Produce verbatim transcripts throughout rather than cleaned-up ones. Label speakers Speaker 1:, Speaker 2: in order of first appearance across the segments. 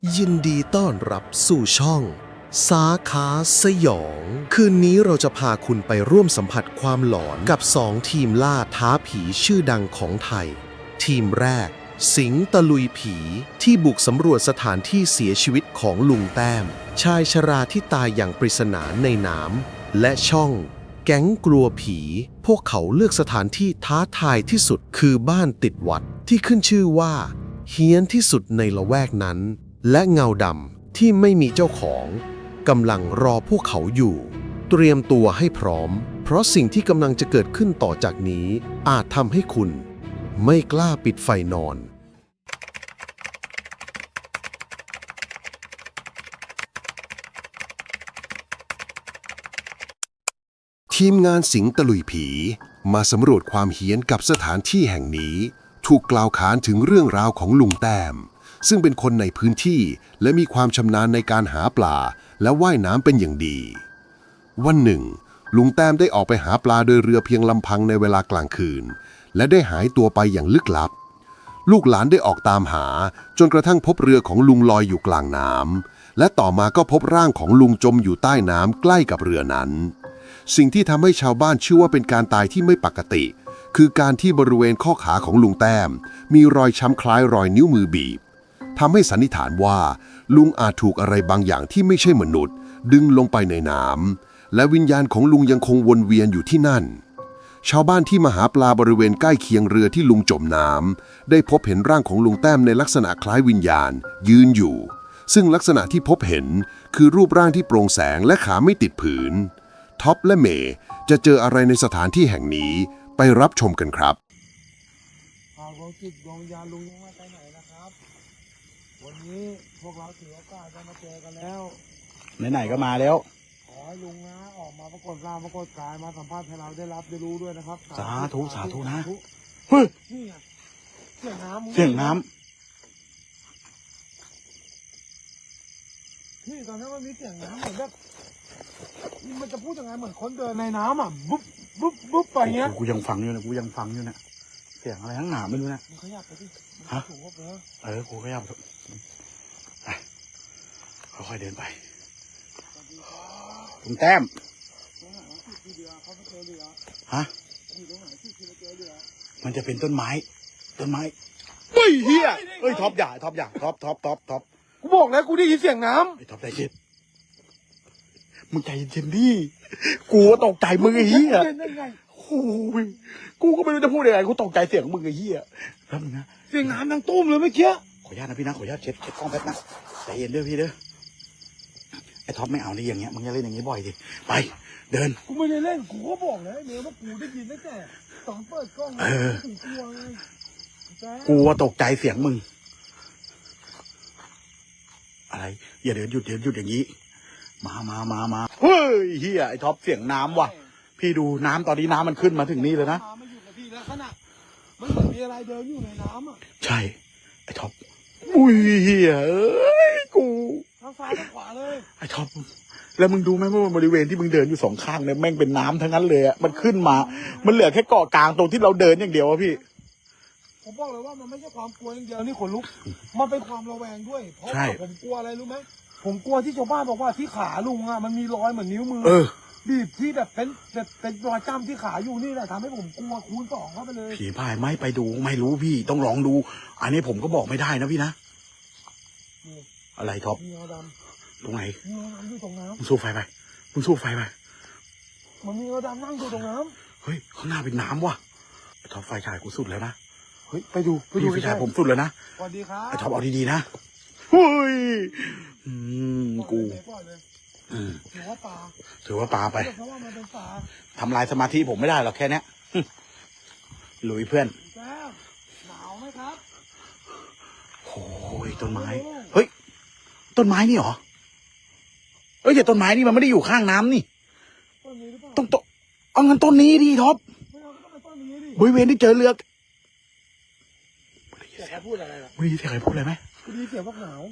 Speaker 1: ยินดีต้อนรับสู่ช่อง สาขาสยอง คืนนี้เราจะพาคุณไปร่วมสัมผัสความหลอนกับสองทีมล่าท้าผีชื่อดังของไทย ทีมแรก สิงห์ตะลุยผีที่บุกสำรวจสถานที่เสียชีวิตของลุงแต้ม ชายชราที่ตายอย่างปริศนาในน้ำและช่อง แก๊งกลัวผี พวกเขาเลือกสถานที่ท้าทายที่สุดคือบ้านติดวัดที่ขึ้นชื่อว่าเฮี้ยนที่สุดในละแวกนั้นและเงาดำที่ไม่มีเจ้าของกำลังรอพวกเขาอยู่เตรียมตัวให้พร้อมเพราะสิ่งที่กำลังจะเกิดขึ้นต่อจากนี้อาจทำให้คุณไม่กล้าปิดไฟนอนทีมงานสิงห์ตะลุยผีมาสำรวจความเฮี้ยนกับสถานที่แห่งนี้ถูกกล่าวขานถึงเรื่องราวของลุงแต้มซึ่งเป็นคนในพื้นที่และมีความชำนาญในการหาปลาและว่ายน้ำเป็นอย่างดีวันหนึ่งลุงแต้มได้ออกไปหาปลาโดยเรือเพียงลำพังในเวลากลางคืนและได้หายตัวไปอย่างลึกลับลูกหลานได้ออกตามหาจนกระทั่งพบเรือของลุงลอยอยู่กลางน้ำและต่อมาก็พบร่างของลุงจมอยู่ใต้น้ำใกล้กับเรือนั้นสิ่งที่ทำให้ชาวบ้านเชื่อว่าเป็นการตายที่ไม่ปกติคือการที่บริเวณข้อขาของลุงแต้มมีรอยช้ำคล้ายรอยนิ้วมือบีบทำให้สันนิษฐานว่าลุงอาจถูกอะไรบางอย่างที่ไม่ใช่มนุษย์ดึงลงไปในน้ำและวิญญาณของลุงยังคงวนเวียนอยู่ที่นั่นชาวบ้านที่มาหาปลาบริเวณใกล้เคียงเรือที่ลุงจมน้ำได้พบเห็นร่างของลุงแต้มในลักษณะคล้ายวิญญาณยืนอยู่ซึ่งลักษณะที่พบเห็นคือรูปร่างที่โปร่งแสงและขาไม่ติดผืนท็อปและเมย์จะเจออะไรในสถานที่แห่งนี้ไปรับชมกันครับ
Speaker 2: หากดวงจิตดวงวิญญาณลุงยังไม่ไปไหนนะครับวันนี้พวกเราถือโอกาสจะมาเจอกันแล้ว
Speaker 3: ไหนๆก็มาแล้ว
Speaker 2: ขอให้ลุงนะออกมาปรากฏร่างปรากฏกายมาสัมภาษณ์ให้เราได้รับได้รู้ด้วยนะครับ
Speaker 3: สาธุสาธุนะ
Speaker 2: เฮ้ยนี่ไงเสียงน้ำ
Speaker 3: เสียงน้ำ
Speaker 2: นี่ตอนนี้มันมีเสียงน้ำเหมือนแบบมันจะพูดยังไงเหมือนคนเดินในน้ำอ่ะบุ๊บบุ๊บบุ๊บไปเงี้ย
Speaker 3: กูยังฟังอยู่นะกูยังฟังอยู่นะเสียงอะไรทั้งหนาไม่รู้นะ
Speaker 2: มึงขยับไปดิ
Speaker 3: ฮะ
Speaker 2: สูงกว่าเดิม
Speaker 3: เออกูขยับไปค่อยๆเดินไปลุงแต้มฮะมันจะเป็นต้นไม้ต้นไม้เฮ้ยเฮียเฮ้ยท็อปอย่าท็อปอย่าท็อปท็อปท็อปท็อป
Speaker 2: กูบอกแล้วกูได้ยินเสียงน้
Speaker 3: ำไอ้ท็อปใจเย็นมึงใจเย็นดิกูตกใจมึงไอ้เหี้ยโอ้ยกูก็ไม่รู้จะพูดยังไงกูตกใจเสียงมึงไอ้เหี้ยแล้วมึงนะ
Speaker 2: เสียงน้ำดังตุ้มเลยเมื่อกี้
Speaker 3: ขออนุญาตนะพี่นะขออนุญาตเช็ดเช็ดกล้องแป๊บนะใจเย็นเด้อพี่เด้อไอ้ท็อปไม่เอาในอย่างเงี้ยมึงอย่าเล่นอย่างงี้บ่อยดิไปเดิน
Speaker 2: กูไม่ได้เล่นกูก็บอกแล้วเนื้อว่ากูได้ยินตั้งแต่ตอนเปิดกล้องถึงกลัวไง
Speaker 3: กูตกใจเสียงมึงอะไรอย่าเดินหยุดเดินหยุดอย่างนี้มามามามาเฮ้ยเฮียไอ้ท็อปเสียงน้ำว่ะพี่ดูน้ำตอนนี้น้ำมันขึ้นมาถึงนี่เลยนะ
Speaker 2: ไม่หยุดนะพี่แล้วขนาดมันเหมือนมีอะไรเดินอยู่ในน้ำอ่ะ
Speaker 3: ใช่ไอ้ท็อปอุ้ยเฮียเอ้ยกู
Speaker 2: ทางซ้ายทางขวาเลย
Speaker 3: ไอ้ท็อปแล้วมึงดูไหมว่าบริเวณที่มึงเดินอยู่สองข้างเนี่ยแม่งเป็นน้ำทั้งนั้นเลยอ่ะมันขึ้นมามันเหลือแค่เกาะกลางตรงที่เราเดินอย่างเดียวอะพี่
Speaker 2: ผมบอกเลยว่ามันไม่ใช่ความกลัวอย่างเดียวนี่ขนลุกมันเป็นความระแวงด้วยเพราะผมกลัวอะไรรู้ไหมผมกลัวที่ชาวบ้านบอกว่าที่ขาลุงอ่ะมันมีรอยเหมือนนิ้วมือบีบที่แบบเป็นแบบเป็นรอยจ้ำที่ขาอยู่นี่แหละทำให้ผมกลัวคูณสองเข้าไปเลย
Speaker 3: ผีพายไม่ไปดูไม่รู้พี่ต้องลองดูอันนี้ผมก็บอกไม่ได้นะพี่นะอะไรท็อป
Speaker 2: มีเงาด
Speaker 3: ำตรงไหน
Speaker 2: มีเงาดำอยู่ตรงน้ำ
Speaker 3: มึงสู้ไฟไปมึงสู้ไฟไป
Speaker 2: มันมีเงาดำนั่งอยู่ตรงน้
Speaker 3: ำเฮ้ยข้างหน้าเป็นน้ำว่ะท็อปไฟฉายกูสุดแล้วนะ
Speaker 2: เฮ้ยไปดู
Speaker 3: ไปดูไฟฉายผมสุดแล้วนะ
Speaker 2: สวัสดีครับ
Speaker 3: ไอ้ท็อปเอาดีๆนะเฮ้ยอืมกู
Speaker 2: ถือว่าปลา
Speaker 3: ถือว่าปลาไป
Speaker 2: เพราะว่ามันเป็นปลา
Speaker 3: ทำลายสมาธิผมไม่ได้หรอกแค่นี้ลุยเพื่อน
Speaker 2: หนาวไหมครับ
Speaker 3: โอ้ยต้นไม้เฮ้ยต้นไม้นี่เหรอเฮ้ยแต่ต้นไม้นี่มันไม่ได้อยู่ข้างน้ำนี่ต้องต้นเอางั้นต้นนี้ดิท็อปบริเวณที่เจอเรือ
Speaker 2: ใครพูดอะไรล่ะ
Speaker 3: ไม่ได้ใครพูดอะไรไหม
Speaker 2: กูได้ยินเสียงพวกหนาว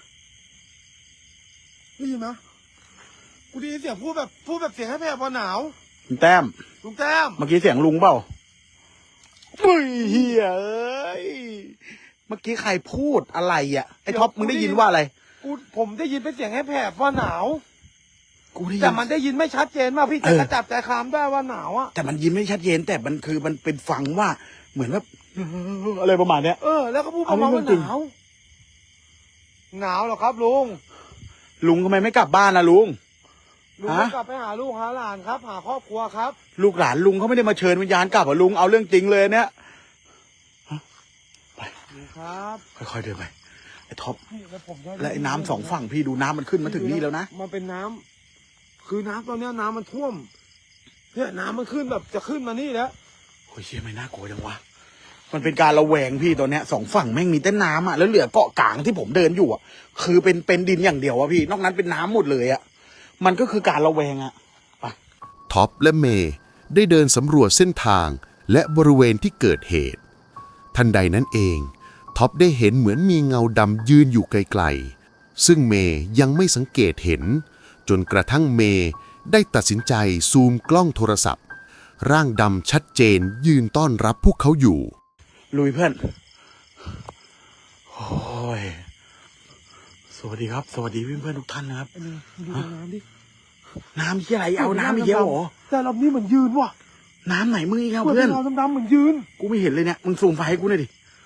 Speaker 2: ได้ยินไหมกูได้ยินเสียงพูดแบบพูดแบบเสียงให้แผ่พอหนาว
Speaker 3: ลุงแต้ม
Speaker 2: ลุงแต้ม
Speaker 3: เมื่อกี้เสียงลุงเปล่าอุ้ยเฮียเอ้ยเมื่อกี้ใครพูดอะไรอ่ะไอ้ท็อปมึงได้ยินว่าอะไร
Speaker 2: กูผมได้ยินเป็นเสียงแหบๆว่าหนาว
Speaker 3: กูได้ยิ
Speaker 2: แต่มันได้ยินไม่ชัดเจนมากพี่
Speaker 3: เอ
Speaker 2: จะ
Speaker 3: อ
Speaker 2: กระจับใจความได้ว่าหนาวอ่ะ
Speaker 3: แต่มันยินไม่ชัดเจนแต่มันคือมันเป็นฟังว่าเหมือนว่าอะไรประมาณเนี้ย
Speaker 2: เออ แล้วก็พูด
Speaker 3: อั
Speaker 2: ป
Speaker 3: น
Speaker 2: ระ
Speaker 3: นี้
Speaker 2: มาณว่า
Speaker 3: เรื่องจริง
Speaker 2: หนาว หนาวเหรอครับลุง
Speaker 3: ลุงทำไมไม่กลับบ้านนะลุง
Speaker 2: ลุง
Speaker 3: ฮะ
Speaker 2: ก็กลับไปหาลูกหาหลานครับ หาครอบครัวครับ
Speaker 3: ลูกหลานลุงเขาไม่ได้มาเชิญวิญญาณกลับอ่ะลุงเอาเรื่องจริงเลยเนี่ย
Speaker 2: ลุงครับ
Speaker 3: ค่อยๆเดินไปไอ้ท็อป
Speaker 2: นี่แล้วผมจะ
Speaker 3: และไอ้น้ำสองฝั่งพี่ดูน้ำมันขึ้นมาถึงนี่แล้วนะ
Speaker 2: มันเป็นน้ำคือน้ำตอนเนี้ยน้ำมันท่วมเนี่ยน้ำมันขึ้นแบบจะขึ้นมานี่แล้ว
Speaker 3: โอ้ยเชี่ยไม่น่ากลัวจังวะมันเป็นการระแวงพี่ตอนเนี้ยสองฝั่งแม่งมีแต่น้ำอ่ะแล้วเหลือเกาะกลางที่ผมเดินอยู่อ่ะคือเป็นเป็นดินอย่างเดียวอ่ะพี่นอกนั้นเป็นน้ำหมดเลยอ่ะมันก็คือการระแวงอ่ะไป
Speaker 1: ท็อปและเมย์ได้เดินสำรวจเส้นทางและบริเวณที่เกิดเหตุ ทันใดนั้นเองท็อปได้เห็นเหมือนมีเงาดำยืนอยู่ไกลๆซึ่งเมย์ยังไม่สังเกตเห็น จนกระทั่งเมย์ได้ตัดสินใจซูมกล้องโทรศัพท์ ร่างดำชัดเจนยืนต้อนรับพวกเขาอยู่
Speaker 3: ลุยเพื่อนโอ้ยสวัสดีครับ สวัสดีเพื่อนๆทุกท่านนะครับ
Speaker 2: ไอ้นี่ดูน้ำดิ
Speaker 3: น้ำที่อะไรเอาน้ำอีกแล้วเหรอ
Speaker 2: แต่รอบนี้เหมือนยืนว่ะ
Speaker 3: น้ำไหนมึงอีกแล้ว
Speaker 2: เหมือน
Speaker 3: เพื่อน
Speaker 2: เงาดำๆเหมือนยืน
Speaker 3: กูไม่เห็นเลยเนี่ยมึงซูมไฟให้กูหน่อยดิ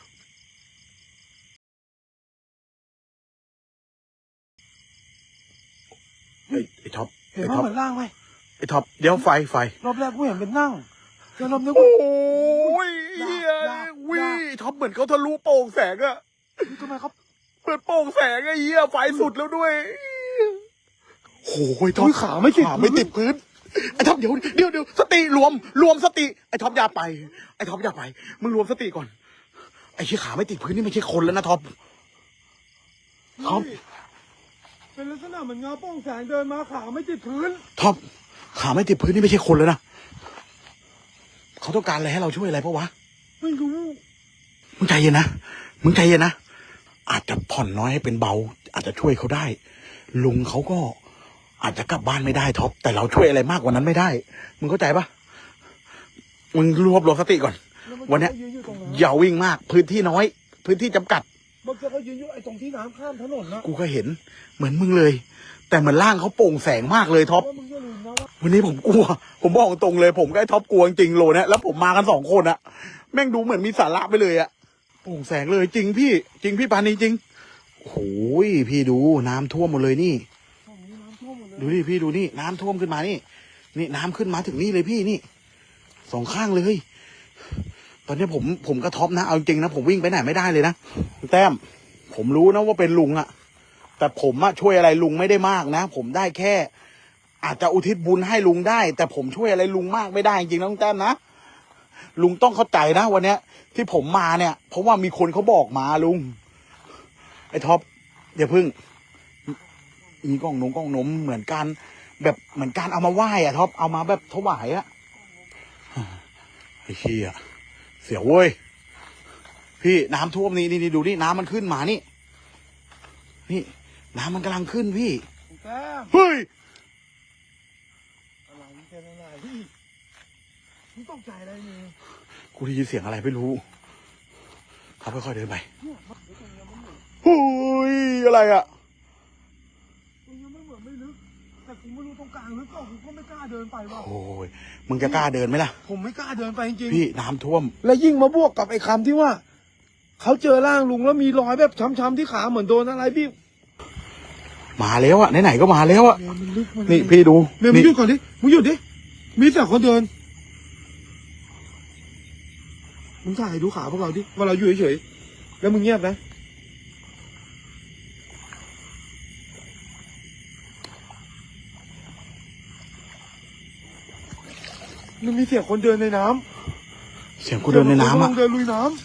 Speaker 3: ไอ้ไอ้ท็อป
Speaker 2: เห็น
Speaker 3: ไอ้
Speaker 2: ว่า
Speaker 3: ท็อป
Speaker 2: เหมือนร่างไหม
Speaker 3: ไอ้ท็อปเดี๋ยวไฟไฟ
Speaker 2: รอบแรกกูเห็นเป็นนั่งแต่รอบนี้
Speaker 3: โอ
Speaker 2: กู
Speaker 3: ้ยเฮีย
Speaker 2: ยาก
Speaker 3: วิ
Speaker 2: ยาก
Speaker 3: ท็อปเหมือนเขาทะลุโปร่งแสงอะ
Speaker 2: ทำไมครับ
Speaker 3: เปิดโปร่งแสงไอ้เหี้ยไฟสุดแล้วด้วยโอ้ยท็อป
Speaker 2: อุ๊ยขาไม่ติด
Speaker 3: ขาไม่ติดพื้นไอ้ท็อปเดี๋ยวเดี๋ยวเดี๋ยวสติรวมรวมสติไอ้ท็อปอย่าไปไอ้ท็อปอย่าไปมึงรวมสติก่อนไอ้เชี่ยขาไม่ติดพื้นนี่ไม่ใช่คนแล้วนะท็อปท็อป
Speaker 2: เป็นลักษณะเหมือนเงาโป้งแสงเดินมาขาไม่ติดพื้น
Speaker 3: ท็อปขาไม่ติดพื้นนี่ไม่ใช่คนแล้วนะเขาต้องการอะไรให้เราช่วยอะไรปะวะ
Speaker 2: ไม่รู้
Speaker 3: มึงใจเย็นนะมึงใจเย็นนะอาจจะผ่อนน้อยให้เป็นเบา อาจจะช่วยเขาได้ ลุงเขาก็อาจจะกลับบ้านไม่ได้ท็อปแต่เราช่วยอะไรมากกว่านั้นไม่ได้ มึงเข้าใจปะมึงรวบรวมสติก่อน
Speaker 2: แล้ว
Speaker 3: วันเนี้ย
Speaker 2: มัยืนอยู่ตรงนั้น
Speaker 3: อย่าวิ่งมากพื้นที่น้อย พื้นที่จำกัด
Speaker 2: เมื่อกี้เขายืนอยู่ไอ้ตรงที่น้ำข้ามถนนนะ
Speaker 3: กูก็เห็น เหมือนมึงเลย แต่เหมือนร่างเขาโปร่งแสงมากเลยท็อป
Speaker 2: ว่ามึงอย่าลืมนะว่า
Speaker 3: วันนี้ผมกลัว ผมบอกตรงเลย ผมกับไอ้ท็อปกลัวจริงๆโลเนี่ยแล้วผมมากันสองคนอะแม่งดูเหมือนมีสาระไปเลยอะโปร่งแสงเลยจริงพี่ จริงพี่ปานีจริงโอ้ยพี่ดูน้ำท่วมหมดเลยนี่
Speaker 2: ตรงนี้น้ำท่วมหมดเลย
Speaker 3: ดูดิพี่ดูนี่น้ำท่วมขึ้นมานี่ นี่น้ำขึ้นมาถึงนี่เลยพี่นี่สองข้างเลย ตอนนี้ผมผมกระท็อปนะเอาจริงนะผมวิ่งไปไหนไม่ได้เลยนะแต้มผมรู้นะว่าเป็นลุงอะแต่ผมอะช่วยอะไรลุงไม่ได้มากนะผมได้แค่ อาจจะอุทิศบุญให้ลุงได้ แต่ผมช่วยอะไรลุงมากไม่ได้จริงๆนะลุงแต้มนะลุงต้องเข้าใจนะวันเนี้ย ที่ผมมาเนี่ย เพราะว่ามีคนเขาบอกมาลุงไอ้ท็อปอย่าพึ่ง มีกล้องนงกล้องนมเหมือนกันแบบเหมือนการเอามาไหว้อะท็อปเอามาแบบถวายอะไอ้เหี้ยเสียวเว้ยพี่น้ำท่วมนี่นี่ดูนี่น้ำมันขึ้นมานี่ นี่ น้ำมันกำลังขึ้นพี่
Speaker 2: แก้ม
Speaker 3: เฮ้ย
Speaker 2: อะไรมึงเป็นอะไรพี่มึงตกใจอะไรเนี่ย
Speaker 3: กูได้ยินเสียงอะไรไม่รู้เขาค่อยๆเดินไป
Speaker 2: เนี่ยมันเดี๋ยวตรงเนี้ยมันเหมือน
Speaker 3: เฮ้ยอะไรอะ
Speaker 2: ตรงเนี้ยมันเหมือนไม่ลึกแต่กูไม่รู้ตรงกลางลึกก็กูก็ไม่กล้าเดินไปว่ะ
Speaker 3: โอ้ยมึงจะกล้าเดินไหมล่ะ
Speaker 2: ผมไม่กล้าเดินไปจริง
Speaker 3: พี่น้ำท่วม
Speaker 2: ๆและยิ่งมาบวกกับไอ้คำที่ว่าเขาเจอร่างลุงแล้วมีรอยแบบช้ำๆที่ขาเหมือนโดนอะไรพี่
Speaker 3: มาแล้วอะไหนๆก็มาแล้วอะ
Speaker 2: เมย์มันลึกมัน
Speaker 3: นี่พี่ดู
Speaker 2: เมย์มึงหยุดก่อนดิมึงหยุดดิมีแต่คนเดินมึงถ่ายดูขาพวกเราดิว่าเราอยู่เฉยๆแล้วมึงเงียบนะมันมีเสียงคนเดินในน้ำ
Speaker 3: เสียงกูเดินในน้ำอะ
Speaker 2: เดินลุยน้ำ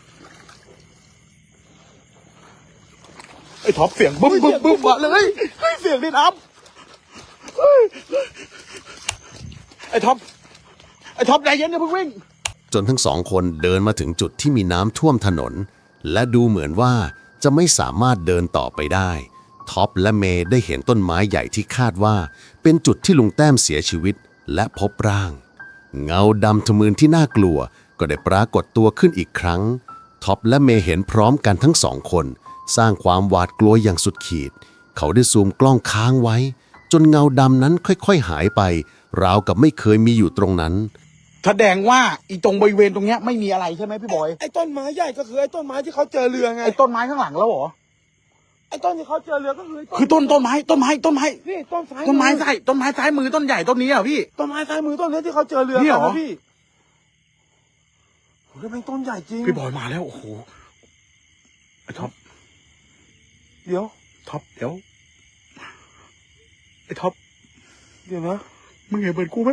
Speaker 3: ไอ้ท็อปเสียงบึ้มบึ้มบึ้มมาเลยเฮ้ยเสียงในน้ำเฮ้ยไอ้ท็อปไอ้ท็อปใจเย็นอย่าเพิ่งวิ่ง
Speaker 1: จนทั้งสองคนเดินมาถึงจุดที่มีน้ำท่วมถนน และดูเหมือนว่าจะไม่สามารถเดินต่อไปได้ท็อปและเมย์ได้เห็นต้นไม้ใหญ่ที่คาดว่าเป็นจุดที่ลุงแต้มเสียชีวิตและพบร่าง เงาดำทะมึนที่น่ากลัวก็ได้ปรากฏตัวขึ้นอีกครั้งท็อปและเมย์เห็นพร้อมกันทั้งสองคนสร้างความหวาดกลัวอย่างสุดขีดเขาได้ซูมกล้องค้างไว้จนเงาดำนั้นค่อยๆหายไปราวกับไม่เคยมีอยู่ตรงนั้น
Speaker 3: แสดงว่าอีตรงบริเวณตรงเนี้ยไม่มีอะไรใช่ไหมพี่บอย
Speaker 2: ไอ้ต้นไม้ใหญ่ก็คือไอ้ต้นไม้ที่เขาเจอเรือไง
Speaker 3: ไอ้ต้นไม้ข้างหลังแล้วเหรอ
Speaker 2: ไอ้ต้นที่เขาเจอเรือก็คือ
Speaker 3: คือต้นต้นไม้ต้นไม้ต้นไม้
Speaker 2: นี่ต้นซ้าย
Speaker 3: ต้นไม้ซ้ายต้นไม้ซ้ายมือต้นใหญ่ต้นนี้อ่ะพี่
Speaker 2: ต้นไม้ซ้ายมือต้นนี้ที่เขาเจอเรือ
Speaker 3: นี่เหรอ
Speaker 2: พี่โอ้ยเป็นต้นใหญ่จริง
Speaker 3: พี่บอยมาแล้วโอ้โหไอ้ท็อป
Speaker 2: เดี๋ยว
Speaker 3: ท็อปเดี๋ยวไอ้ท็อป
Speaker 2: เดี๋ยวนะ
Speaker 3: มึงเห็นเหมือนกูไหม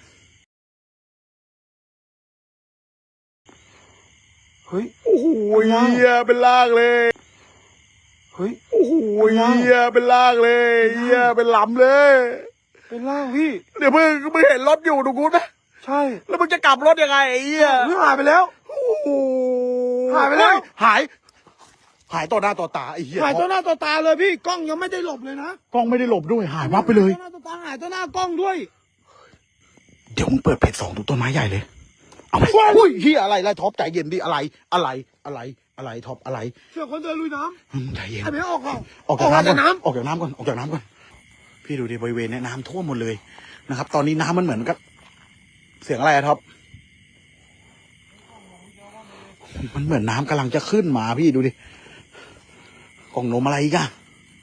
Speaker 2: เฮ้ย
Speaker 3: โอ้โหเฮียเป็นลากเลย
Speaker 2: เฮ้ย
Speaker 3: โอ้โหเฮียเป็นลากเลยเฮียเป็นลำเลย
Speaker 2: เป็นล่างพี่
Speaker 3: เดี๋ยวมึงมึงเห็นรถอยู่ตรงนู้นไหม
Speaker 2: ใช่
Speaker 3: แล้วมึงจะกลับรถยังไงไอ้เฮีย
Speaker 2: หายไปแล้ว
Speaker 3: โอ้โห
Speaker 2: หายไปแล้ว
Speaker 3: หายหายต่อหน้าต่อตาไอ้เหี้ย
Speaker 2: หายต่อหน้าต่อตาเลยพี่กล้องยังไม่ได้หลบเลยนะ
Speaker 3: กล้องไม่ได้หลบด้วยหายวับไปเลย
Speaker 2: ต่อหน้าต่อตาหายต่อหน้ากล้องด้วย
Speaker 3: เดี๋ยวมึงเปิดเพจสองดูต้นไม้ใหญ่เลยเอาไปอุ้ยเฮียอะไรไรท็อปใจเย็นดิอะไรอะไรอะไรอะไรท็อปอะไร
Speaker 2: เชื่อคนเดินลุยน้
Speaker 3: ำใจเย็น
Speaker 2: ไอ้เบี้ยออกก่อน
Speaker 3: ออกจากน้ำออกจากน้ำก่อนออกจากน้ำก่อนพี่ดูดิบริเวณนี้น้ำท่วมหมดเลยนะครับตอนนี้น้ำมันเหมือนกับเสียงอะไรอะท็อปมันเหมือนน้ำกำลังจะขึ้นมาพี่ดูดิกล่องนมอะไรอีกอะ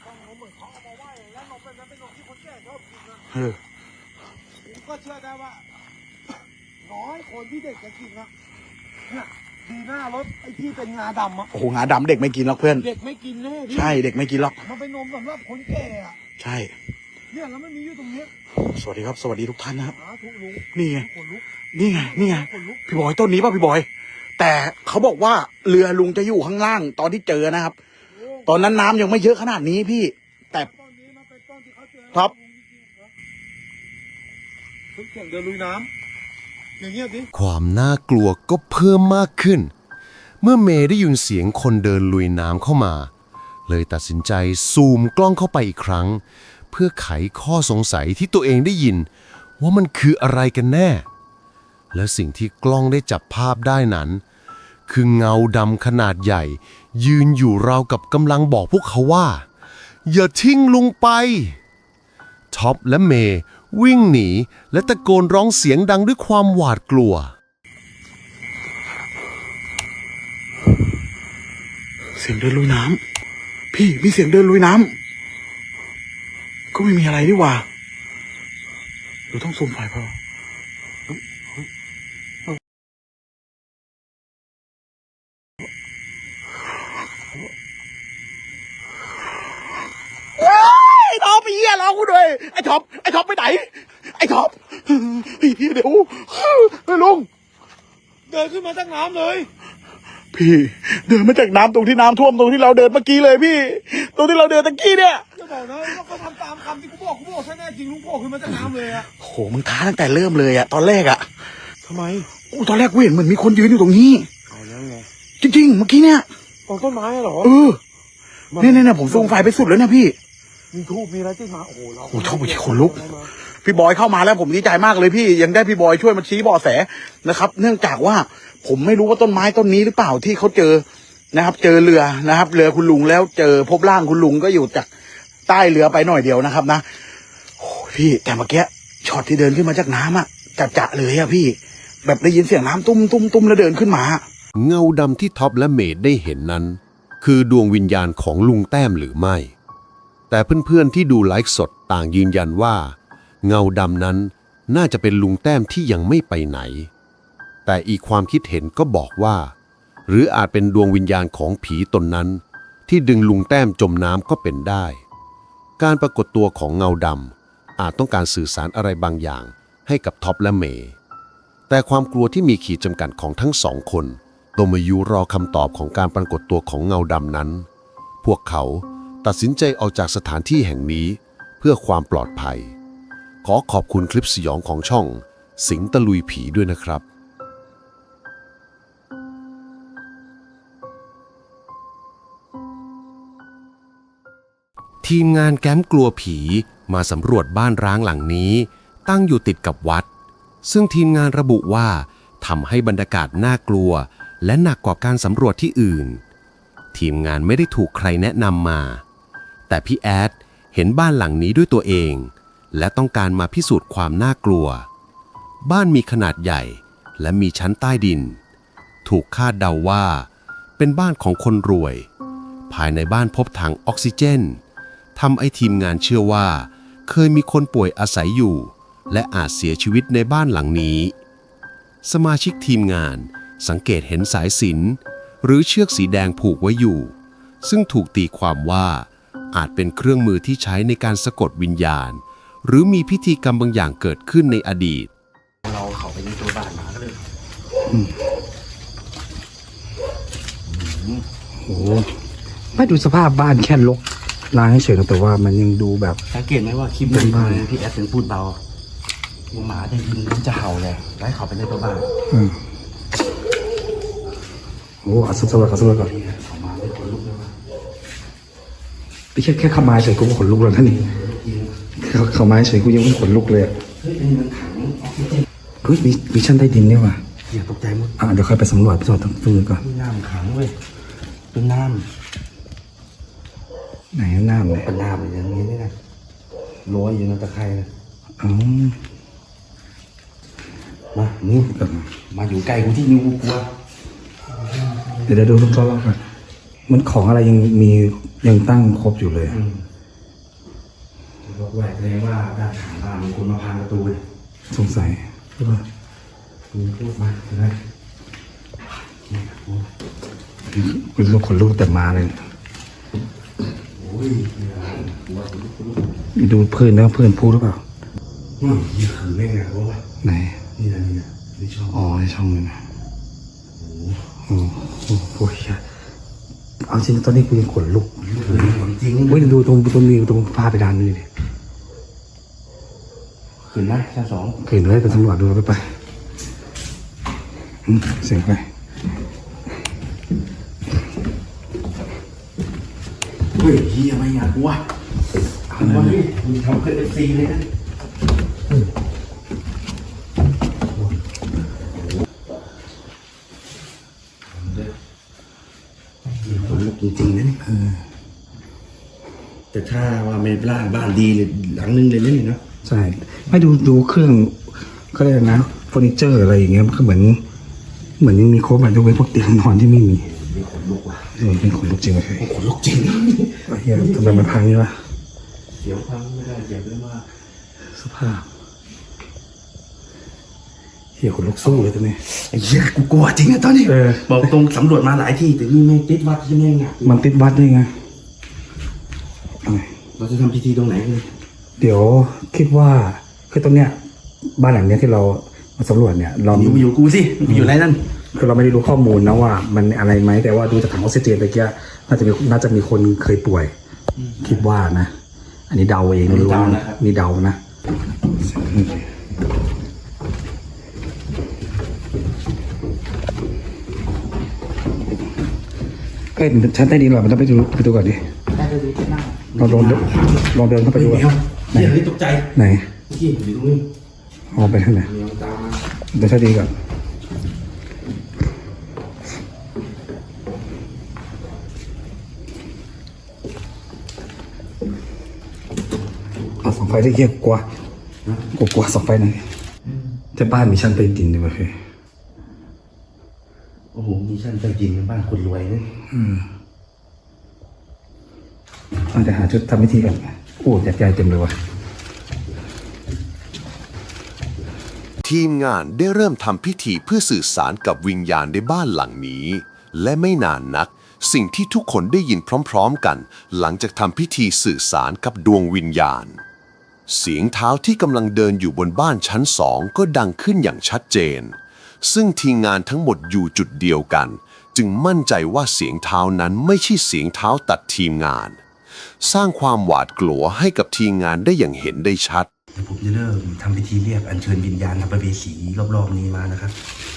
Speaker 3: เออ
Speaker 2: ผมก็เชื่อได้ว่าน้อยคนที่เด็กจะกินนะเนี่ยดีหน้ารถไอ้ที่เป็นงาดำอะ
Speaker 3: โอ้โหงาดำเด็กไม่กินหรอกเพื่อน
Speaker 2: เด็กไม่กินแน่
Speaker 3: ใช่เด็กไม่กินหรอก
Speaker 2: มันเป็นนมสำหรับคนแก่อะ
Speaker 3: ใช่
Speaker 2: เนี่ยแล้วมันมีอยู่ตรงนี้
Speaker 3: สวัสดีครับสวัสดีทุกท่านนะครับ
Speaker 2: นี่
Speaker 3: ไงนี่ไงนี่ไงพี่บอยต้นนี้ป่ะพี่บอยแต่เขาบอกว่าเรือลุงจะอยู่ข้างล่างตอนที่เจอนะครับตอนนั้นน้ำยังไม่เยอะขนาดนี้พี่แต่
Speaker 2: ครับเสียงเดินลุยน้ำอย่างเงี้ยดิ
Speaker 1: ความน่ากลัวก็เพิ่มมากขึ้นเมื่อเมย์ได้ยินเสียงคนเดินลุยน้ำเข้ามาเลยตัดสินใจซูมกล้องเข้าไปอีกครั้งเพื่อไขข้อสงสัยที่ตัวเองได้ยินว่ามันคืออะไรกันแน่และสิ่งที่กล้องได้จับภาพได้นั้นคือเงาดำขนาดใหญ่ยืนอยู่ราวกับกำลังบอกพวกเขาว่าอย่าทิ้งลุงไปท็อปและเมย์วิ่งหนีและตะโกนร้องเสียงดังด้วยความหวาดกลัว
Speaker 3: เสียงเดินลุยน้ำพี่มีเสียงเดินลุยน้ำก็ไม่มีอะไรดีกว่าเราต้องซูมไฟพอไอ้ท็อปไอ้เหี้ยร้องกูด้วยไอ้ท็อปไอ้ท็อปไปไหนไอ้ท็อปไอ้เหี้ยเดี๋ยวไอ้ลุง
Speaker 2: เดินขึ้นมาจากน้ำเลย
Speaker 3: พี่เดินมาจากน้ำตรงที่น้ำท่วมตรงที่เราเดินเมื่อกี้เลยพี่ตรงที่เราเดินตะกี้เนี่ย
Speaker 2: จะบอกนะว่าเขาทำตามคำที่กูบอกกูบอกใช่แน่จริงลุงโผล่ขึ้นมาจากน้ำเลยอะ
Speaker 3: โหมึงท้าตั้งแต่เริ่มเลยอะตอนแรกอะ
Speaker 2: ทำไม
Speaker 3: โอ้ตอนแรกกูเห็นเหมือนมีคนยืนอยู่ตรงนี้
Speaker 2: เอาแล้วไง
Speaker 3: จริงๆเมื่อกี้เนี่ย
Speaker 2: ตรงต้นไม้เหรอ
Speaker 3: เออเนี่ยเนี่ยผมส่งไฟไปสุดแล้วเนี่ยพี่
Speaker 2: มีทูบมีอะไรที่มาโอ้โหเรา
Speaker 3: โอ้ชอบไปขนลุกพี่บอยเข้ามาแล้วผมดีใจมากเลยพี่ยังได้พี่บอยช่วยมาชี้เบาะแสนะครับเนื่องจากว่าผมไม่รู้ว่าต้นไม้ต้นนี้หรือเปล่าที่เขาเจอนะครับเจอเรือนะครับเรือคุณลุงแล้วเจอพบร่างคุณลุงก็อยู่จากใต้เรือไปหน่อยเดียวนะครับนะโอ้พี่แต่เมื่อกี้ช็อตที่เดินขึ้นมาจากน้ำอะจัดจะเลยอะพี่แบบได้ยินเสียงน้ำตุ้มตุ้มตุ้มแล้วเดินขึ้นมา
Speaker 1: เงาดำที่ท็อปและเมดได้เห็นนั้นคือดวงวิญญาณของลุงแต้มหรือไม่แต่เพื่อนๆที่ดูไลฟ์สดต่างยืนยันว่าเงาดำนั้นน่าจะเป็นลุงแต้มที่ยังไม่ไปไหนแต่อีกความคิดเห็นก็บอกว่าหรืออาจเป็นดวงวิญญาณของผีตนนั้นที่ดึงลุงแต้มจมน้ำก็เป็นได้การปรากฏตัวของเงาดำอาจต้องการสื่อสารอะไรบางอย่างให้กับท็อปและเมย์แต่ความกลัวที่มีขีดจำกัดของทั้งสองคนต้องมาอยู่รอคำตอบของการปรากฏตัวของเงาดำนั้น พวกเขาตัดสินใจออกจากสถานที่แห่งนี้เพื่อความปลอดภัยขอขอบคุณคลิปสยองของช่องสิงตะลุยผีด้วยนะครับทีมงานแก๊มกลัวผีมาสำรวจบ้านร้างหลังนี้ตั้งอยู่ติดกับวัดซึ่งทีมงานระบุว่าทำให้บรรยากาศน่ากลัวและหนักกว่าการสำรวจที่อื่นทีมงานไม่ได้ถูกใครแนะนำมา แต่พี่แอดเห็นบ้านหลังนี้ด้วยตัวเอง และต้องการมาพิสูจน์ความน่ากลัว บ้านมีขนาดใหญ่และมีชั้นใต้ดิน ถูกคาดเดาว่าเป็นบ้านของคนรวย ภายในบ้านพบถังออกซิเจนทำให้ทีมงานเชื่อว่าเคยมีคนป่วยอาศัยอยู่ และอาจเสียชีวิตในบ้านหลังนี้ สมาชิกทีมงานสังเกตเห็นสายสิญจน์หรือเชือกสีแดงผูกไว้อยู่ ซึ่งถูกตีความว่าอาจเป็นเครื่องมือที่ใช้ในการสะกดวิญญาณ หรือมีพิธีกรรมบางอย่างเกิดขึ้นในอดีต
Speaker 3: เราเข้าไปในตัวบ้านมาก็เลย
Speaker 4: โอ้โหไม่ดูสภาพบ้านแค่ลกล้างเฉยๆนะแต่ว่ามันยังดูแบบ
Speaker 3: สังเกตไหมว่าคลิปบนบ้านพี่แอดถึงพูดเบาหัวหมาจะยินมันจะเห่าเลยไล่เข้าไปในตัวบ้าน
Speaker 4: อืมโอ้เอาสำรวจก่อนสำรวจก่อน
Speaker 3: เข้ามาได้คนลุกเลยว่า
Speaker 4: พี่แค่แค่เข้ามาเฉยกูก็ขนลุกแล้วท่านนี่เข้าเข้ามาเฉยกูยังไม่ขนลุกเลยอะ
Speaker 3: เฮ้ยนี่มันถังออกซิเจน
Speaker 4: เฮ้ยมีมีชั้นใต้ดินนี่ว่ะ
Speaker 3: อย่าตกใจมุด
Speaker 4: อ่ะเดี๋ยวค่อยไปสำรวจไปสำรวจตรงนู้นก่อน
Speaker 3: นี่น้ำขังเว้ยเป็นน้
Speaker 4: ไหนน้ำเนี่ย
Speaker 3: ำเป็นน้ำอย่างนี้นี่นะลอยอยู่ในตะไคร่นะ
Speaker 4: อ๋อ
Speaker 3: มานี่มาอยู่ใกล้กูที่นิ้วกูกลัว
Speaker 4: เดี๋ยวเดี๋ยวดูรอบๆก่อนมันของอะไรยังมียังตั้งครบอยู่เลย
Speaker 3: บอกแหวกเลยว่าด้านข้างบ้านมีคนมาพังประตูเลย
Speaker 4: สงสัยใช่ป่ะ
Speaker 3: คุณพูดมาเห็นไหมนี่ครับโอ้
Speaker 4: กูรู้ขนลุกแต่มาเลย
Speaker 3: โอ้ยหัวคุณลูกคุณลูก
Speaker 4: ดูเพื่อนนะเพื่อนพูดหรือเปล่า
Speaker 3: อืมนี่คือแม่งอะว่า
Speaker 4: ไหน
Speaker 3: นี่นะนี่นะนี่ชอบ
Speaker 4: อ๋อในช่องนึงนะโอ้โหโอ้โหเอาจริงตอนนี้กูยังขนลุก
Speaker 3: ลูกเลยของจริง
Speaker 4: เฮ้ยดูตรงตรงนี้ตรงผ้าไปดานนี่ดิ
Speaker 3: ขึ้นนะชั้นสอง
Speaker 4: เห็นเลยไปตำรวจดูไปไปอืมเสียงไป
Speaker 3: เฮ้ยเฮียไม่อยากกลัวเอามาดิมึงทำเกินเอฟซีเลยนะคนลุกจริงๆนะนี่แต่ถ้าว่าไม่บ้านบ้านดีเลยหลังนึงเลยนี่เนาะ
Speaker 4: ใช่ไม่ดูดูเครื่องเขาเรียกนะเฟอร์นิเจอร์อะไรอย่างเงี้ยมันก็เหมือนเหมือนยังมีครบอะยกเว้นพวกเตียงนอนที่ไม่มี
Speaker 3: มีคนลุกว่ะ
Speaker 4: เออเป็นขนลุกจริงเลย
Speaker 3: คนลุกจริง
Speaker 4: ไอ้เฮียทำไมมันพังนี่วะ
Speaker 3: เสียวพังไม่ได้เจ็บเลยมาก
Speaker 4: สภาพเฮียขนลุกสู้เลยตอนนี้
Speaker 3: ไอ้เหี้ยกูกลัวจริงอะตอนนี้
Speaker 4: เออ
Speaker 3: บอกตรงสำรวจมาหลายที่แต่นี่ไม่ติดวัดที่แม่งอะ
Speaker 4: มันติดวัดด้วยไงเอาไง
Speaker 3: เราจะทำพิธีตรงไหนกัน
Speaker 4: เดี๋ยวคิดว่าคือตรงเนี้ยบ้านหลังเนี้ยที่เรามาสำรวจเนี่ยเรา
Speaker 3: อยู่อยู่กูสิไปอยู่ไรนั่น
Speaker 4: คือเราไม่ได้รู้ข้อมูลนะว่ามันอะไรไหมแต่ว่าดูจากถังออกซิเจนตะเกียน่าจะมีน่าจะมีคนเคยป่วย คิดว่านะ อันนี้เดาเองไม่รู้นะนี่เดานะเอ้ยชั้นใต้ดินเหรอมันต้องไปดูไปดูก่อนดิ
Speaker 3: ได้ไปดูที่หน้า
Speaker 4: ลองลองเดินลองเดินเข้าไป
Speaker 3: ไป
Speaker 4: ดู
Speaker 3: ดู
Speaker 4: ก่อน
Speaker 3: เฮ้ยเฮ้ยตกใจ
Speaker 4: ไหน
Speaker 3: เมื่อกี้อยู่ตรงนี้
Speaker 4: ออกไปทางไหน
Speaker 3: เมียตามมา
Speaker 4: เดินใต้ดินก่อนเอาสองไฟที่เกียกลัวกลัวกลัวสองไฟหน่อยแต่บ้านมีชั้นใต้ดินด้วยมั้ย
Speaker 3: โอ้โหมีชั้นใต้ดินเป็นบ้านคนรวยนะ
Speaker 4: ต้องจะหาชุดทำพิธีก่อนโอ้ยัดใหญ่เต็มเลยวะ
Speaker 1: ทีมงานได้เริ่มทำพิธีเพื่อสื่อสารกับวิญญาณในบ้านหลังนี้ และไม่นานนัก สิ่งที่ทุกคนได้ยินพร้อมๆกัน หลังจากทำพิธีสื่อสารกับดวงวิญญาณ เสียงเท้าที่กำลังเดินอยู่บนบ้านชั้นสองก็ดังขึ้นอย่างชัดเจน ซึ่งทีมงานทั้งหมดอยู่จุดเดียวกัน จึงมั่นใจว่าเสียงเท้านั้นไม่ใช่เสียงเท้าตัดทีมงาน สร้างความหวาดกลัวให้กับทีมงานได้อย่างเห็นได้ชัด
Speaker 3: ผมจะเริ่มทำพิธีเรียกอัญเชิญวิญญาณสัมภเวสีรอบๆนี้มานะครับ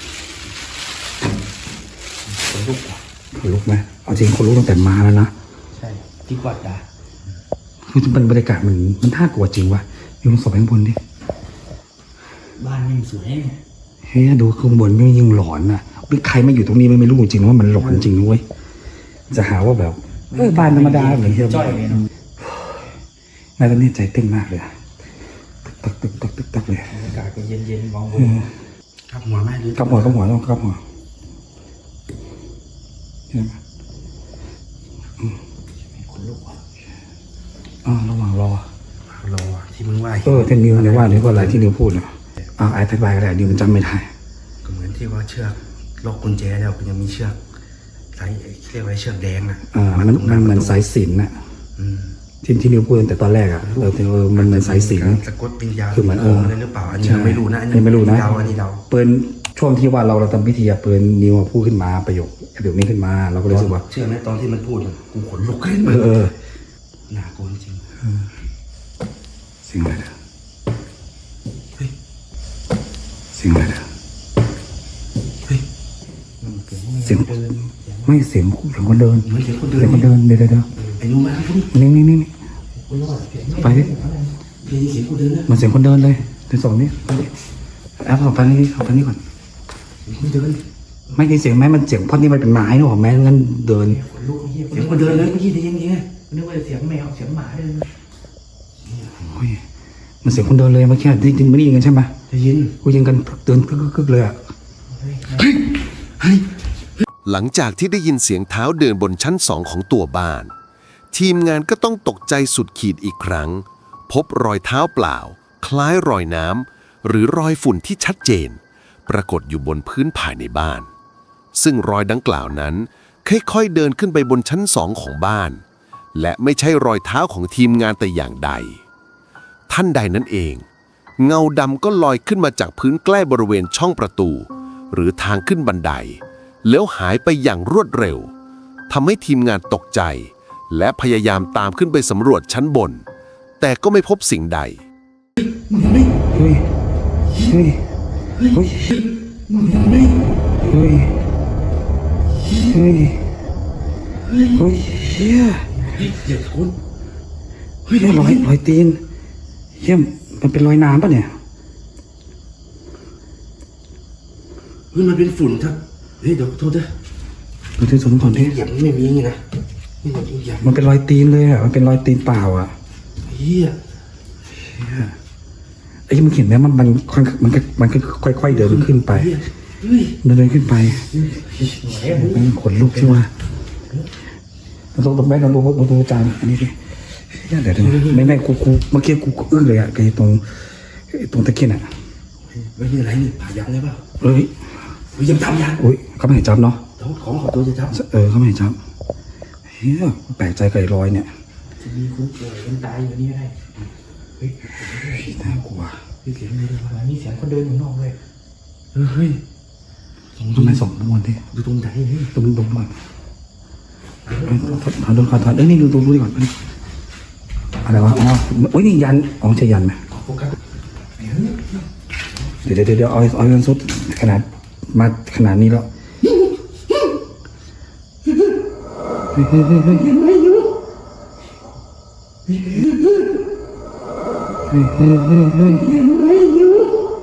Speaker 3: คนลุกว่ะ
Speaker 4: ขนลุกไหมเอาจริงคนลุกตั้งแต่มาแล้วนะ
Speaker 3: ใช่ที่วัดอะ
Speaker 4: คือมันบรรยากาศมันมันน่ากลัวจริงวะอยู่ตรงศพข้างบนดิ
Speaker 3: บ้านยิ่งสวย
Speaker 4: เฮ้ยดูข้างบนไม่ยิ่งหลอนอ่ะหรือใครมาอยู่ตรงนี้ไม่ไม่รู้จริงว่ามันหลอนจริงนะเว้ยจะหาว่าแบบเออบ้านธรรมดาเหมือนเดิม
Speaker 5: จ้อยเลยเนาะ
Speaker 4: นายตอนนี้ใจเต้นมากเลยอะตึกตึกตึกตึกตึกเลย
Speaker 5: อากาศก็เย็นๆมองบ
Speaker 4: เอน อ
Speaker 3: ครับหัวแม่หรือ
Speaker 4: กับหัวกับหัวต้องกับหัวเห็นไหม
Speaker 5: ขนลุกว่ะ
Speaker 4: อ่าระหว่างรอ
Speaker 3: รอที่มึงว่า
Speaker 4: เออที่นิวเนี่ยว่านิวว่าอะไรที่นิวพูดเนาะอ่าอธิบายก็ได้นิวมันจำไม่ได้
Speaker 3: ก็เหมือนที่ว่าเชือกล็อกกุญแจแล้วก็ยังมีเชือกสายเรียกว่าเชือกแดงน่ะ
Speaker 4: อ่ามันมันเหมือนสายสิญจน์น่ะ
Speaker 3: อืม
Speaker 4: ที่ที่นิวพูดตั้งแต่ตอนแรกอ่ะเออเออมันเหมือนสายสิญจน์
Speaker 3: สะกดวิญญาณ
Speaker 4: คือเหมือนเออ
Speaker 3: อะไรหรือเปล่าอันนี้
Speaker 4: ใช่
Speaker 3: เราไม่รู้นะอัน
Speaker 4: อันนี้ไม่รู้นะ
Speaker 3: เดาอันนี้เดา
Speaker 4: เปิดช่วงที่ว่าเราเราทำพิธีอะเปิดนิวพูดขึ้นมาประโยคประโยคนี้ขึ้นมาเราก็เลยรู้สึกว่า
Speaker 3: เชื่อไหมตอนที่มันพูดอะกูขนลุกขึ้น
Speaker 4: เออเออ
Speaker 3: น่ากลัวจริง
Speaker 4: เสียงอะไรเนี่ยเสียงอะไรเนี่ย
Speaker 3: เฮ้ย
Speaker 4: เสียงไม่เสียงเสียงคนเดิน
Speaker 3: เหมือนเสียงคนเดิน
Speaker 4: เสียงคนเดินเดี๋ยวเดี๋ยวเดี๋ยว
Speaker 3: ไอ้นู้มาครับพี่
Speaker 4: นี่นี่นี่นี่ไปดิ
Speaker 3: พี่เสียงคนเดินนะ
Speaker 4: มันเสียงคนเดินเลยเดี๋ยวสองนี้ไปดิแอปเอาไปนี่เอาไปนี่ก่อน
Speaker 3: เสียงคนเดิน
Speaker 4: ไม่ได้เสียงแม้มันเสียงเพราะนี่มันเป็นไม้นะผมแม้งั้นเดิน
Speaker 5: ขนลุกเฮีย
Speaker 3: เสียงคนเดินเลยเมื่อกี้ได้ยินยังไง
Speaker 5: นึกว่าเสียงแมวเสียงหมาเลย
Speaker 4: โอ้ยมันเสียงคนเดินเลยเมื่อกี้ได้ยินไม่ได้ยินกันใช่ไหม
Speaker 3: ได้ยิน
Speaker 4: กูยิงกันเดินกึกกึกเลยอ่ะ
Speaker 1: หลังจากที่ได้ยินเสียงเท้าเดินบนชั้นสองของตัวบ้าน ทีมงานก็ต้องตกใจสุดขีดอีกครั้ง พบรอยเท้าเปล่า คล้ายรอยน้ำหรือรอยฝุ่นที่ชัดเจน ปรากฏอยู่บนพื้นภายในบ้าน ซึ่งรอยดังกล่าวนั้นค่อยๆเดินขึ้นไปบนชั้นสองของบ้าน และไม่ใช่รอยเท้าของทีมงานแต่อย่างใด ท่านใดนั้นเอง เงาดำก็ลอยขึ้นมาจากพื้นใกล้บริเวณช่องประตู หรือทางขึ้นบันได แล้วหายไปอย่างรวดเร็วทำให้ทีมงานตกใจ และพยายามตามขึ้นไปสำรวจชั้นบน แต่ก็ไม่พบสิ่งใด
Speaker 4: เฮ้ยเฮ้ยเฮ้ยเฮ้ยเฮ้ยเฮ้ยเฮีย
Speaker 3: เดี๋ยวคุณ
Speaker 4: เฮ้ยรอยรอยตีนเฮียมันเป็นรอยน้ำป่ะเนี่ย
Speaker 3: เฮ้ยมันเป็นฝุ่นครับเฮ้ยเดี๋ยวโทษด้วย
Speaker 4: ดูที่สมก่อนดิ
Speaker 3: เหยียบไม่มีอย่างงี้นะนี่มันเหยียบ
Speaker 4: มันเป็นรอยตีนเลยอ่ะมันเป็นรอยตีนเปล่าอ่ะ
Speaker 3: เฮีย
Speaker 4: ไอ้ที่มันเขียนไหมมันมันค่อยมันก็มันก็ค่อยๆเดินขึ้นไป
Speaker 3: เฮ้ย
Speaker 4: เดินเดินขึ้นไปมันขนลุกใช่ไหมเราต้องต้องแม่เราดูเราดูจานอันนี้ดิเดี๋ยวเดี๋ยวไม่ไม่กูกูเมื่อกี้กูอึ้งเลยอ่ะไอ้ตรงไอ้ตรงตะเกียงอ่ะ
Speaker 3: เฮ้ยนี่อะไรนี่ผ่ายักษ์เลยเปล่า
Speaker 4: เอ้ย
Speaker 3: เฮ้ยยังทำยักษ์
Speaker 4: อุ้ยเขาไม่ให้จับเนาะ
Speaker 3: เดี๋ยวของขอตัวจะท
Speaker 4: เออเขาไม่ให้จับเฮ้ยแปลกใจกับไอ้รอยเนี่ย
Speaker 5: จะมีคนป่วยคนตายอยู่นี่ก็ได้เฮ้ย
Speaker 4: น่ากลัว
Speaker 5: มีเสียงเลยเหมือนมีเสียงคนเดินอยู่นอกเลย
Speaker 3: ำเฮ้ย
Speaker 4: ทำไมส่งทุกวันดิ
Speaker 3: ดูตรงไหนเฮ้ย
Speaker 4: ตรงตรงก่อนถอดถอดถอดถอดเอ้ยนี่ดูดูดูดิก่อนอะไรวะอ๋อโอ้ยนี่ยันอ๋อใช่ยันไหม
Speaker 3: โฟกัส
Speaker 4: เดี๋ยวเดี๋ยวเดี๋ยวเอาเอาเงินสดขนาดมาขนาดนี้แล้วเฮ้ยเฮ้ยเฮ้ยเฮ้ยเฮ้ยเฮ้ยเฮ้ย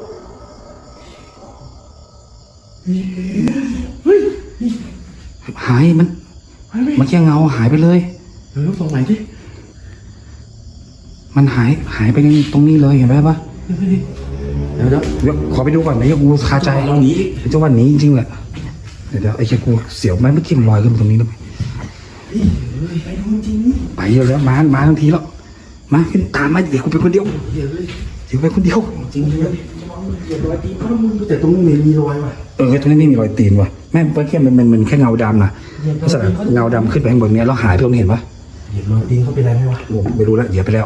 Speaker 4: หายมันมันแค่เงาหายไปเลย
Speaker 3: เฮ้ยตรงไหนดิ
Speaker 4: มันหายหายไปตรงนี้เลยเห็นไหมปะ
Speaker 3: เดี๋ยวเดี๋ยว
Speaker 4: เดี๋ยวขอไปดูก่อนนะยังกูคาใจ
Speaker 3: ลองหนีดิ
Speaker 4: ไอ้เจ้าวันนี้จริงๆแหละเดี๋ยวเดี๋ยวไอ้เจ้ากูเสียวไหมเมื่อกี้มันลอยขึ้นมาตรงนี้แล้วไหม
Speaker 3: ไปดูจริง
Speaker 4: ไปเยอะแล้วมามาทั้งทีแล้วมาขึ้นตามมาเดี๋ยวกูไปคนเดียว
Speaker 3: เดี๋ยวเลย
Speaker 4: เดี๋ยวไปคนเดียว
Speaker 3: จริงเลยเหยียบรอยตีนเขาแล้วมึงแต่ตรงนี้ไม่มีรอยว่ะ
Speaker 4: เออตรงนี้ไม่มีรอยตีนว่ะแม่เมื่อกี้มันมันมันแค่เงาดำนะลักษณะเงาดำขึ้นไปข้างบนเนี้ยแล้วหายไปตรงนี้เห็นปะ
Speaker 3: เหยียบรอยตีนเขาเป็นไรไหมวะ
Speaker 4: โอ้ไม่รู้แล้วเหยียบไปแล้ว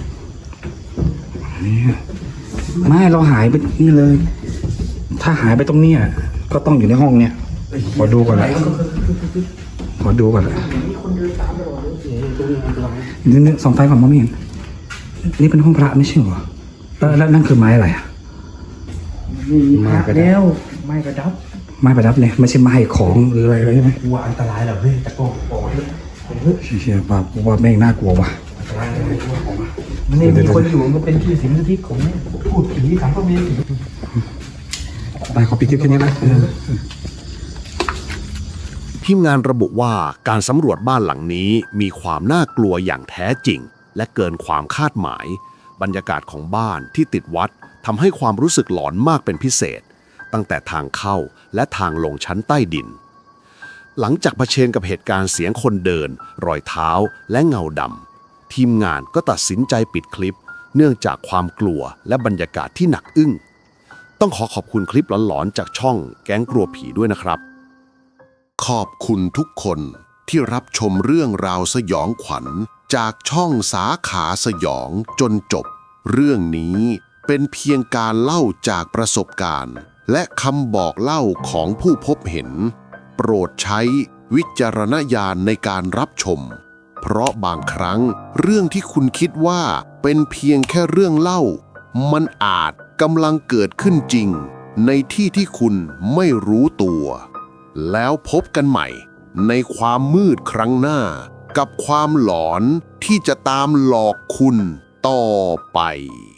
Speaker 4: เนี่ยไม่เราหายไปนี่เลย ถ้าหายไปตรงเนี้ยก็ต้องอยู่ในห้องเนี่ยขอดูก่อนละขอดูก่อนละ
Speaker 3: ตรงนี้อันตราย
Speaker 4: นี่นี่ส่องไฟก่อนมองไม่เห็นนี่เป็นห้องพระไม่ใช่เหรอแล้วแล้วนั่นคือไม้อะไรอะ
Speaker 5: มาแล้วไม่กระดับ
Speaker 4: ไม้ประดับเนี่ยไม่ใช่ไม้ของหรืออะไรอะไรใช่ไหม
Speaker 3: กลัวอันตรายเหรอเฮ้ยตะโกนบอกเลย
Speaker 4: เชี่ยว่าว่าแม่งน่ากลัวว่ะ
Speaker 3: อันตรายเลยกลัวผมอ่ะ
Speaker 5: มันนี่มีคนอยู่มันเป็นที่สิงสถิตของพูดผีสังคมเมียผี
Speaker 4: ไปขอปิดคลิปแค่นี้นะเออ
Speaker 1: ทีมงานระบุว่าการสำรวจบ้านหลังนี้มีความน่ากลัวอย่างแท้จริงและเกินความคาดหมายบรรยากาศของบ้านที่ติดวัดทำให้ความรู้สึกหลอนมากเป็นพิเศษตั้งแต่ทางเข้าและทางลงชั้นใต้ดินหลังจากเผชิญกับเหตุการณ์เสียงคนเดินรอยเท้าและเงาดำทีมงานก็ตัดสินใจปิดคลิปเนื่องจากความกลัวและบรรยากาศที่หนักอึ้งต้องขอขอบคุณคลิปหลอนๆจากช่องแก๊งกลัวผีด้วยนะครับขอบคุณทุกคนที่รับชมเรื่องราวสยองขวัญจากช่องสาขาสยองจนจบเรื่องนี้เป็นเพียงการเล่าจากประสบการณ์และคำบอกเล่าของผู้พบเห็นโปรดใช้วิจารณญาณในการรับชมเพราะบางครั้งเรื่องที่คุณคิดว่าเป็นเพียงแค่เรื่องเล่ามันอาจกำลังเกิดขึ้นจริงในที่ที่คุณไม่รู้ตัวแล้วพบกันใหม่ในความมืดครั้งหน้ากับความหลอนที่จะตามหลอกคุณต่อไป